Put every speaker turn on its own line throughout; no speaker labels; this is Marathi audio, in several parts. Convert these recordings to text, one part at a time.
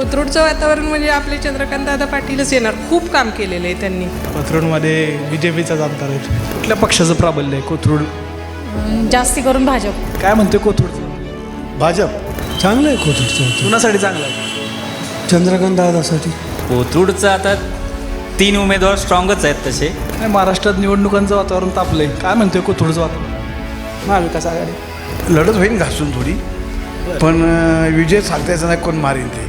कोथरूडचं वातावरण म्हणजे आपले चंद्रकांत दादा पाटीलच येणार. खूप काम केलेलं आहे त्यांनी.
कोथरूडमध्ये BJPचाच आमदार आहे.
कुठल्या पक्षाचं प्राबल्य आहे कोथरूड?
जास्ती करून भाजप.
काय म्हणते कोथरूडचं?
भाजप चांगलं आहे. कोथरूडचं
कुणासाठी चांगलं आहे?
चंद्रकांत दादासाठी.
कोथरूडचं आता 3 उमेदवार स्ट्रॉंगच आहेत तसे.
काय महाराष्ट्रात निवडणुकांचं वातावरण तापलंय. काय म्हणतोय कोथरूडचं वातावरण?
महाविकास आघाडी.
लढत होईल घासून थोडी, पण विजय सांगता यायचा नाही कोण मारेल ते.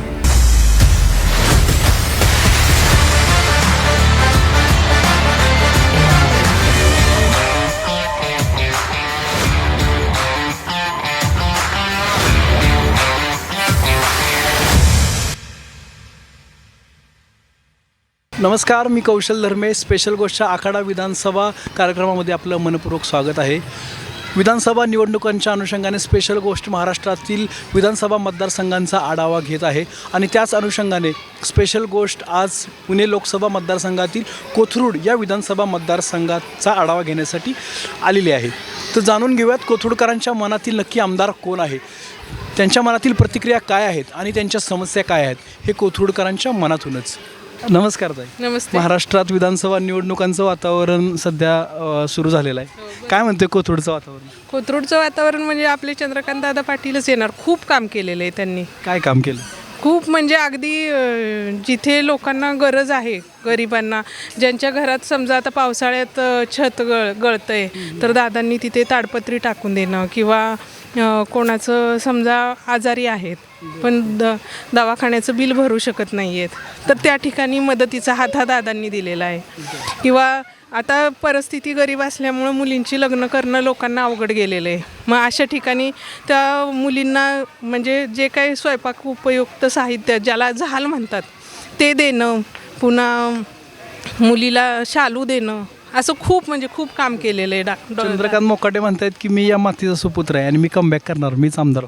नमस्कार, मी कौशल धर्मे. स्पेशल गोष्टच्या आखाडा विधानसभा कार्यक्रमामध्ये आपलं मनपूर्वक स्वागत आहे. विधानसभा निवडणुकांच्या अनुषंगाने स्पेशल गोष्ट महाराष्ट्रातील विधानसभा मतदारसंघांचा आढावा घेत आहे आणि त्याच अनुषंगाने स्पेशल गोष्ट आज पुणे लोकसभा मतदारसंघातील कोथरूड या विधानसभा मतदारसंघाचा आढावा घेण्यासाठी आलेली आहे. तर जाणून घेऊयात कोथरूडकरांच्या मनातील नक्की आमदार कोण आहे, त्यांच्या मनातील प्रतिक्रिया काय आहेत आणि त्यांच्या समस्या काय आहेत, हे कोथरूडकरांच्या मनातूनच. नमस्कार ताई.
नमस्ते.
महाराष्ट्रात विधानसभा निवडणुकांचं वातावरण सध्या सुरू झालेलं आहे. काय म्हणते कोथरूडचं वातावरण?
कोथरूडचं वातावरण म्हणजे आपले चंद्रकांत दादा पाटीलच येणार. खूप काम केलेलं आहे त्यांनी.
काय काम केलं?
खूप म्हणजे अगदी जिथे लोकांना गरज आहे, गरिबांना, ज्यांच्या घरात समजा आता पावसाळ्यात छत गळतंय तर दादांनी तिथे ताडपत्री टाकून देणं, किंवा कोणाचं समजा आजारी आहेत पण दवाखान्याचं बिल भरू शकत नाही आहेत तर त्या ठिकाणी मदतीचा हात हा दादांनी दिलेला आहे. किंवा आता परिस्थिती गरीब असल्यामुळं मुलींची लग्न करणं लोकांना अवघड गेलेलं आहे. मग अशा ठिकाणी त्या मुलींना म्हणजे जे काही स्वयंपाक उपयुक्त साहित्य ज्याला झाल म्हणतात ते देणं, पुन्हा मुलीला शालू देणं, असं खूप म्हणजे खूप काम केलेलं आहे.
चंद्रकांत मोकाटे म्हणतात की मी या मातीचा सुपुत्र आहे आणि मी कमबॅक करणार, मीच आमदार.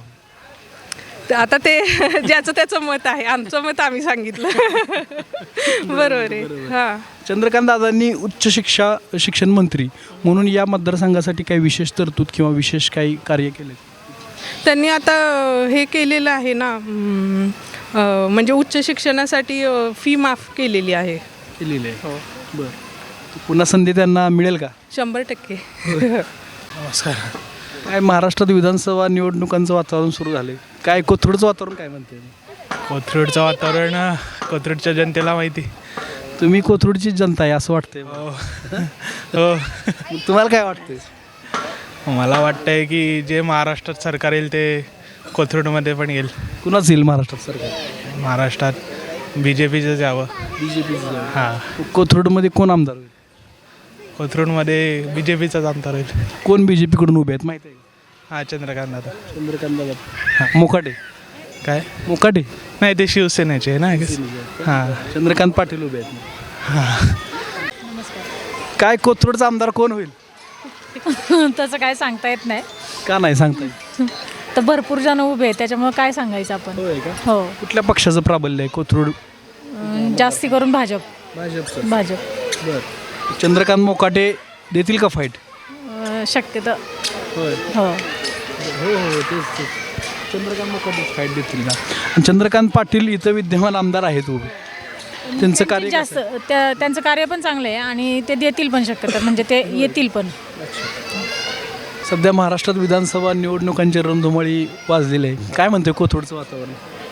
आता ते ज्याचं त्याचं मत आहे. आमचं मत आम्ही सांगितलं. बरोबर आहे. हां,
चंद्रकांत दादांनी उच्च शिक्षण मंत्री म्हणून या मतदारसंघासाठी काही विशेष तरतूद किंवा विशेष काही कार्य केले?
त्यांनी आता हे केलेलं आहे ना, म्हणजे उच्च शिक्षणासाठी फी माफ केलेली आहे.
केलेले आहे. हो, बरं. पुन्हा संधी त्यांना मिळेल का?
100%.
नमस्कार. काय महाराष्ट्रात विधानसभा निवडणुकांचं वातावरण सुरू झाले, काय कोथरूडचं वातावरण काय म्हणते?
कोथरूडचं वातावरण कोथरूडच्या जनतेला माहिती.
तुम्ही कोथरूडची जनता आहे असं वाटतंय.
हो,
तुम्हाला काय वाटतंय?
मला वाटतंय की जे महाराष्ट्रात सरकार येईल ते कोथरूडमध्ये पण येईल.
कुणाच येईल महाराष्ट्रात सरकार?
महाराष्ट्रात BJPचंच यावं.
BJPचं.
हां,
कोथरूडमध्ये कोण आमदार होईल?
कोथरूडमध्ये BJPचाच आमदार होईल.
कोण BJP कडून उभे आहेत माहिती आहे?
हां, चंद्रकांत दादा.
चंद्रकांत दादा. मोकाटे.
काय
मोकाटे
नाही, ते शिवसेनेचे आहे ना. हां,
चंद्रकांत पाटील उभे आहेत. काय कोथरूडचा आमदार कोण होईल?
तसं काय सांगता येत नाही.
का नाही सांगता येत?
तर भरपूर जण उभे आहेत त्याच्यामुळे काय सांगायचं आपण. हो,
कुठल्या पक्षाचं प्राबल्य आहे कोथरूड?
जास्ती करून भाजप.
भाजप. बरं. चंद्रकांत मोकाटे देतील का फाईट?
शक्यतो.
होय.
हो,
तेच. चंद्रकांत मोकाटे फाईट देतील का? आणि चंद्रकांत पाटील इथं विद्यमान आमदार आहेत उभे, त्यांचं कार्य
जास्त त्यांचं कार्य पण चांगलं आहे आणि ते देतील पण शक्यतो, म्हणजे ते येतील पण.
सध्या महाराष्ट्रात विधानसभा निवडणुकांची रणधुमाळी वाजलेली आहे. काय म्हणते कोथरूडचं वातावरण?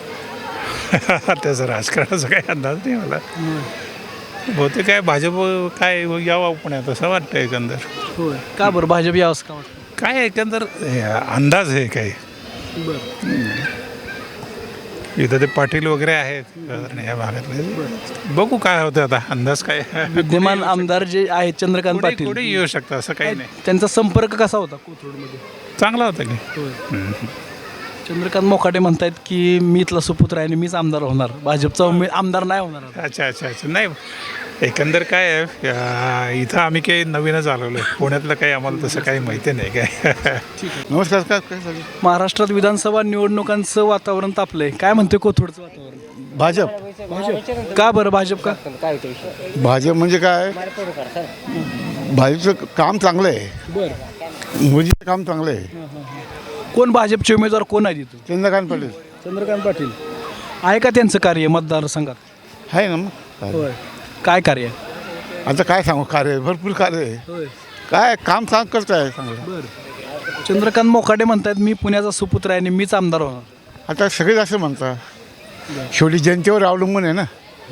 त्याचं राजकारणाचा काही अंदाज नाही मला. बहुतेक काय भाजप काय यावं पुण्यात असं वाटतं एकंदर.
होय. का बरं भाजप यावंच का वाटतं?
काय एकंदर अंदाज आहे काही. इथं ते पाटील वगैरे आहेत या भागातले. बघू काय होतं आता, अंदाज काय.
विद्यमान आमदार जे आहेत चंद्रकांत पाटील,
कुठे येऊ शकतं असं काही नाही.
त्यांचा संपर्क कसा होता कोथरूडमध्ये?
चांगला होता की.
चंद्रकांत मोकाटे म्हणतात की मी इथला सुपुत्र आहे आणि मीच आमदार होणार, भाजपचा आमदार नाही होणार.
अच्छा. नाही, एकंदर काय आहे, इथं आम्ही काही नवीनच आलेलो आहे. पुण्यातलं काही आम्हाला तसं काही माहिती नाही काय. नमस्कार. काय
महाराष्ट्रात विधानसभा निवडणुकांचं वातावरण तापलंय. काय म्हणते कोथरूडचं वातावरण?
भाजप.
का बरं भाजप का?
भाजप म्हणजे काय, भाजपचं काम चांगलं आहे.
बरं.
मोदीचं काम चांगलं आहे.
कोण भाजपचे उमेदवार कोण आहे तिथं?
चंद्रकांत पाटील.
चंद्रकांत पाटील. आहे का त्यांचं कार्य मतदारसंघात?
आहे ना मग
होय. काय कार्य?
आता काय सांगू, कार्य भरपूर कार्य आहे.
होय.
काय काम सांग करत आहे चांगलं.
चंद्रकांत मोकाटे म्हणतात मी पुण्याचा सुपुत्र आहे आणि मीच आमदार होणार.
आता सगळेच असं म्हणतात. शेवटी जनतेवर अवलंबून आहे ना.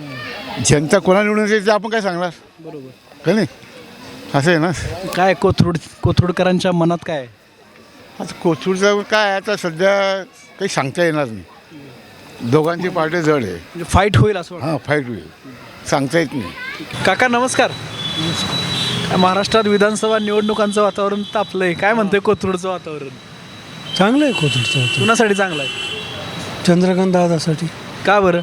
जनता कोणा निवडून येते ते आपण काय सांगणार,
बरोबर.
का नाही? असं आहे ना.
काय कोथरूडकरांच्या मनात काय आहे?
आता कोथरूडचं काय आता सध्या काही सांगता येणार नाही. दोघांची पार्टी जड आहे.
म्हणजे फाईट होईल असं वाटतं.
हां, फाईट होईल, सांगता येत नाही.
काका नमस्कार. काय महाराष्ट्रात विधानसभा निवडणुकांचं वातावरण तापलंय, काय म्हणतंय कोथरूडचं वातावरण?
चांगलं आहे कोथरूडचं
कुणासाठी चांगलं आहे?
चंद्रकांत दादासाठी.
का बरं?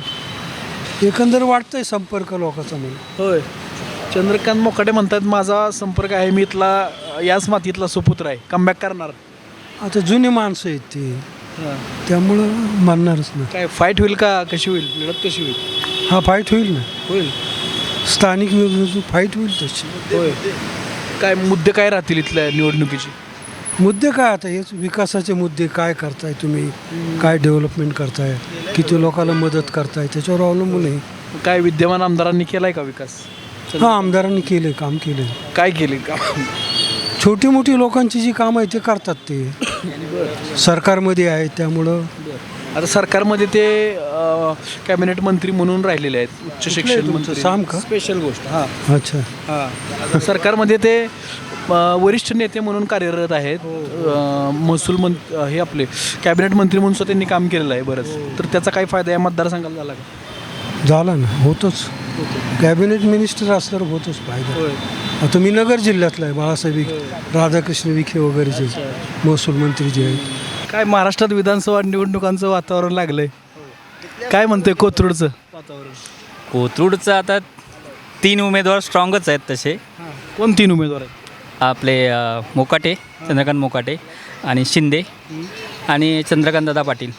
एकंदर वाटतंय संपर्क लोकांचा म्हणून.
होय. चंद्रकांत मोकाटे म्हणतात माझा संपर्क आहे, मी इथला याच मातीतला सुपुत्र आहे, कमबॅक करणार.
आता जुनी माणसं आहेत ती, त्यामुळं मानणारच ना.
काय फाईट होईल का, कशी होईल, लढत कशी होईल?
हा फाईट होईल ना,
होईल.
स्थानिक फाईट होईल तशी.
होय. काय मुद्दे काय राहतील इथल्या निवडणुकीचे?
मुद्दे काय आता हेच विकासाचे मुद्दे, काय करताय तुम्ही, काय डेव्हलपमेंट करताय, किती लोकांना मदत करताय, त्याच्यावर अवलंबून आहे.
काय विद्यमान आमदारांनी केलाय का विकास?
हा आमदारांनी केले, काम केले.
काय केले का?
छोटी मोठी लोकांची जी कामं आहे ते करतात, ते सरकारमध्ये आहे त्यामुळं.
आता सरकारमध्ये ते कॅबिनेट मंत्री म्हणून राहिलेले आहेत, उच्च शिक्षण मंत्री.
साम का?
स्पेशल गोष्ट. हां
अच्छा.
हां. सरकारमध्ये ते वरिष्ठ नेते म्हणून कार्यरत आहेत. महसूल हे आपले कॅबिनेट मंत्री म्हणून सुद्धा त्यांनी काम केलेलं आहे बरंच. तर त्याचा काय फायदा या मतदारसंघाला झाला का?
झाला ना, होतोच. कॅबिनेट मिनिस्टर असल्यावर होतोच फायदा. आता मी नगर जिल्ह्यातला आहे, बाळासाहेब राधाकृष्ण विखे वगैरे जे महसूल मंत्री जे आहेत.
काय महाराष्ट्रात विधानसभा निवडणुकांचं वातावरण लागलंय, काय म्हणतंय कोथरूडचं वातावरण?
कोथरूडचं आता 3 उमेदवार स्ट्रॉंगच आहेत तसे.
कोण 3 उमेदवार आहेत?
आपले मोकाटे, चंद्रकांत मोकाटे आणि शिंदे आणि चंद्रकांतदादा पाटील.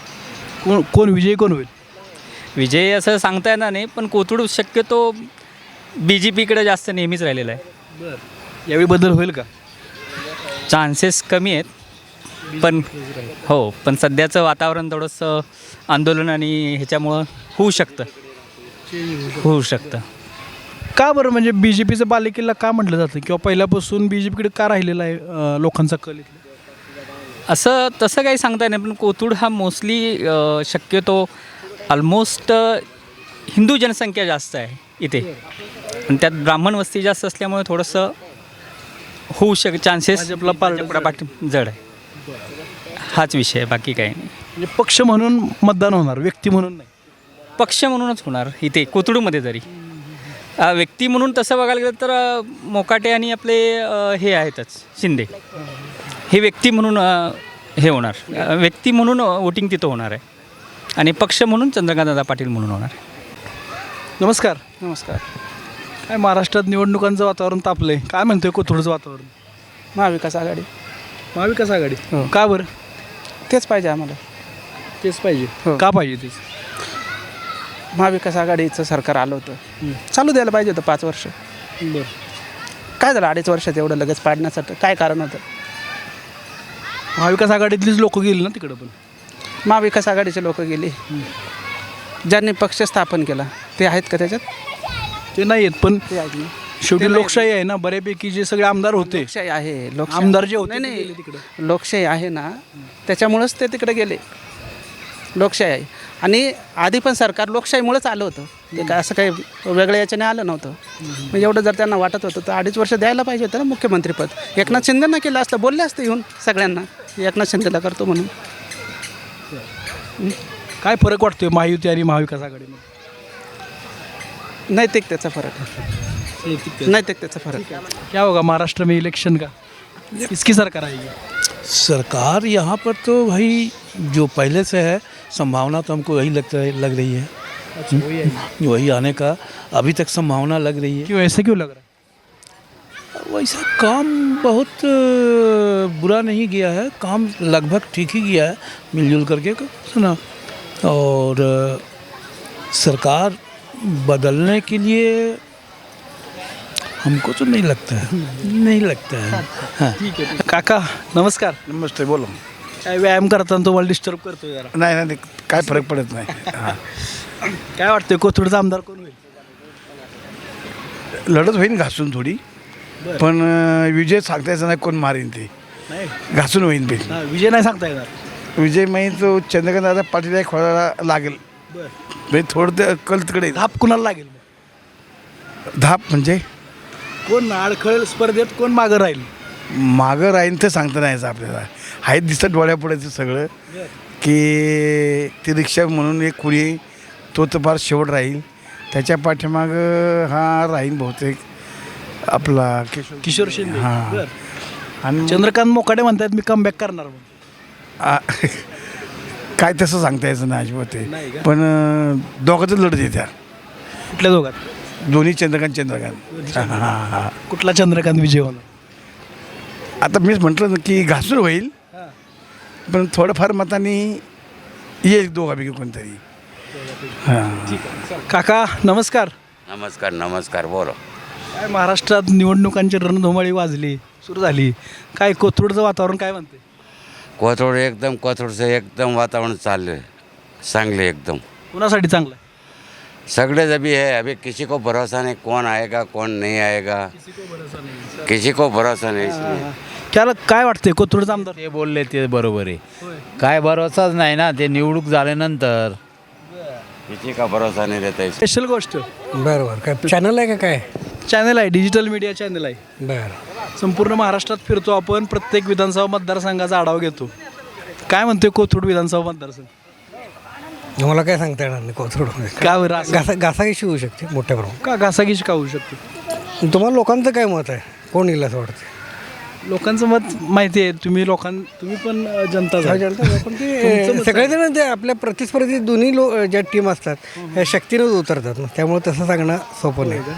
कोण विजयी कोण होईल?
विजय असं सांगता येणार नाही, पण कोथरूड शक्यतो BJPकडे जास्त नेहमीच राहिलेला आहे.
यावेळी बदल होईल का?
चान्सेस कमी आहेत, पण हो, पण सध्याचं वातावरण थोडंसं आंदोलन आणि ह्याच्यामुळं होऊ शकतं.
का बरं, म्हणजे BJPचं बालेकिल्ला का म्हटलं जातं, किंवा पहिल्यापासून BJPकडे का राहिलेला आहे लोकांचा कल इथला?
असं तसं काही सांगता येत नाही, पण कोथरूड हा मोस्टली शक्यतो ऑलमोस्ट हिंदू जनसंख्या जास्त आहे इथे, आणि त्यात ब्राह्मण वस्ती जास्त असल्यामुळे थोडंसं होऊ चान्सेस
आपला
पाठी जड आहे. हाच विषय आहे, बाकी काही नाही.
म्हणजे पक्ष म्हणून मतदान होणार, व्यक्ती म्हणून नाही.
पक्ष म्हणूनच होणार इथे कोथरूडमध्ये. तरी व्यक्ती म्हणून तसं बघायला गेलं तर मोकाटे आणि आपले हे आहेतच शिंदे, हे व्यक्ती म्हणून हे होणार, व्यक्ती म्हणून वोटिंग तिथं होणार आहे, आणि पक्ष म्हणून चंद्रकांतदादा पाटील म्हणून होणार आहे.
नमस्कार. नमस्कार. काय महाराष्ट्रात निवडणुकांचं वातावरण तापलंय, काय म्हणतोय कोथरूडचं वातावरण?
महाविकास आघाडी.
महाविकास आघाडी. का बरं?
तेच पाहिजे आम्हाला.
तेच पाहिजे.
हो.
का पाहिजे तेच?
महाविकास आघाडीचं सरकार आलं होतं, चालू द्यायला पाहिजे होतं 5 वर्ष.
बरं.
काय झालं 2.5 वर्षात एवढं लगेच पाडण्यासाठी, काय कारण होतं?
महाविकास आघाडीतलीच लोक गेली ना तिकडं. पण
महाविकास आघाडीचे लोक गेली, ज्यांनी पक्ष स्थापन केला ते आहेत का त्याच्यात?
ते नाही आहेत, पण
ते आहेत ना.
शेवटी लोकशाही आहे ना, बऱ्यापैकी जे सगळे आमदार होते,
लोकशाही आहे.
आमदार जे होते
नाही
ते गेले
नाही,
तिकडं.
लोकशाही आहे ना, त्याच्यामुळंच ते तिकडे गेले. लोकशाही आहे, आणि आधी पण सरकार लोकशाहीमुळेच आलं होतं, ते काय असं काही वेगळ्या याच्याने आलं नव्हतं. म्हणजे एवढं जर त्यांना वाटत होतं तर 2.5 वर्ष द्यायला पाहिजे होतं ना मुख्यमंत्रीपद. एकनाथ शिंदेंना केलं असतं, बोलले असते येऊन सगळ्यांना एकनाथ शिंदेला करतो म्हणून.
काय फरक वाटतोय महायुती आणि महाविकास आघाडीमध्ये?
नैतिकतेचा फरक आहे, नैतिकतेचा फरक आहे.
क्या होगा महाराष्ट्र में इलेक्शन का, किसकी सरकार आएगी?
सरकार यहाँ पर तो भाई जो पहले से है, संभावना तो हमको वही लग रही है. वही आने का अभी तक संभावना लग रही है.
क्यों, ऐसे क्यों लग रहा है?
वैसा काम बहुत बुरा नहीं गया है, काम लगभग ठीक ही गया है मिलजुल करके, सुना. और सरकार बदलने के लिए हमको तो नहीं लगता है. हाँ.
ठीक है. काका नमस्कार.
नमस्ते, बोलो.
काय व्यायाम करताना तुम्हाला डिस्टर्ब करतो जरा?
नाही नाही काय फरक पडत नाही हां
काय वाटतंय कोथरूडचा आमदार कोण होईल?
लढत होईल घासून थोडी पण विजय सांगता यायचं नाही कोण मारेन ते
नाही
घासून होईल बिल
विजय नाही सांगता येणार.
विजय माहीत तो चंद्रकांत दादा पाटील खोळायला लागेल म्हणजे थोडं ते कल तिकडे
धाप कुणाला लागेल?
धाप म्हणजे
कोण अडखळ स्पर्धेत कोण मागं राहील?
मागं राहीन तर सांगता नाही यायचं आपल्याला आहे दिसतं डोळ्यापुढेचं सगळं की ती रिक्षा म्हणून एक कुणी तो तर फार शेवट राहील त्याच्या पाठीमागं हा राहील बहुतेक आपला
किशोर शिंदे.
हां
बरं.
आणि
चंद्रकांत मोकाडे म्हणतात मी कमबॅक करणार म्हणून.
काय तसं सांगता यायचं नाही अजिबात
नाही का?
ते पण दोघांचं लढत येत्या
कुठल्या दोघात?
दोन्ही चंद्रकांत हां हां
कुठला चंद्रकांत विजय होणार?
आता मीच म्हटलं ना की घासून होईल पण थोडंफार मताने येईल दोघापैकी कोणतरी हां
काका नमस्कार.
नमस्कार नमस्कार बोलो.
काय महाराष्ट्रात निवडणुकांची रणधुमाळी वाजली सुरू झाली काय कोथरूडचं वातावरण काय म्हणते?
कोथरूडचं एकदम वातावरण चाललं है चांगले एकदम
कुणासाठी चांगलं आहे?
सगळे जभी है अभी किसी को भरोसा नहीं कौन आएगा कौन नहीं आएगा किसी को भरोसा नहीं इसलिए
त्याला काय वाटतंय कोथरूडचा आमदार?
ते बोलले ते बरोबर आहे. काय भरोसाच नाही ना ते निवडणूक झाल्यानंतर.
किसी का भरोसा नहीं रहता इसलिए
स्पेशल गोष्ट
बरोबर काय चॅनल आहे का काय?
चॅनल आहे डिजिटल मीडिया चॅनल आहे.
बरं
संपूर्ण महाराष्ट्रात फिरतो आपण प्रत्येक विधानसभा मतदारसंघाचा आढावा घेतो. काय म्हणतोय कोथरूड विधानसभा मतदारसंघ?
मला काय सांगता येणार नाही कोथरूड
का बरं असं?
घासाघिशी होऊ शकते मोठ्या प्रमाणात.
का घासाघीश का होऊ शकते?
तुम्हाला लोकांचं काय मत आहे कोण येईल असं वाटतं?
लोकांचं मत माहिती आहे तुम्ही तुम्ही पण जनता
पण ते सगळेजण ते आपल्या प्रतिस्पर्धी दोन्ही ज्या टीम असतात ह्या शक्तीनंच उतरतात ना त्यामुळे तसं सांगणं सोपं नाही.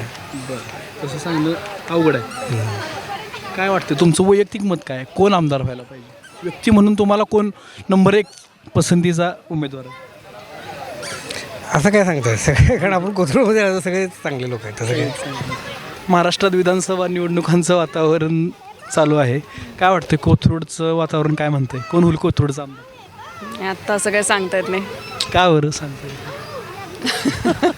तसं सांगणं अवघड आहे. काय वाटतं तुमचं वैयक्तिक मत काय कोण आमदार व्हायला पाहिजे? व्यक्ती म्हणून तुम्हाला कोण नंबर 1 पसंतीचा उमेदवार आहे?
असं काय सांगतात सगळे कारण आपण कोथरूडमध्ये राहतो सगळे चांगले लोक आहेत तसं काय.
महाराष्ट्रात विधानसभा निवडणुकांचं वातावरण चालू आहे काय वाटतं कोथरूडचं वातावरण काय म्हणतंय कोण होईल कोथरूडचा आमदार?
आत्ता असं काय सांगता येत नाही.
का बरं सांगता येत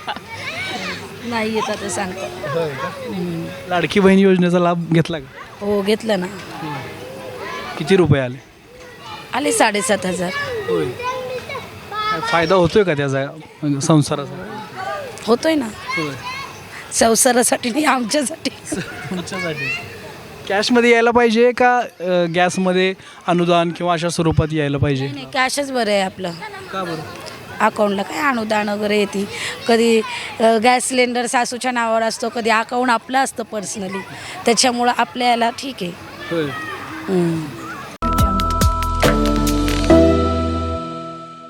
नाही येत आता सांगतो.
लाडकी बहीण योजनेचा लाभ घेतला का?
हो घेतलं ना.
किती रुपये आले?
आले 7,500.
होय काय फायदा होतोय का त्याचा संसाराचा?
होतोय ना.
होय
संसारासाठी नाही आमच्यासाठी.
तुमच्यासाठी कॅशमध्ये यायला पाहिजे का गॅसमध्ये अनुदान किंवा अशा स्वरूपात यायला पाहिजे?
नाही कॅशच बरं आहे आपलं.
का बरं?
अकाउंटला काय अनुदान वगैरे येते कधी गॅस सिलेंडर सासूच्या नावावर असतो कधी अकाउंट आपलं असतं पर्सनली त्याच्यामुळं आपल्याला ठीक आहे.
होय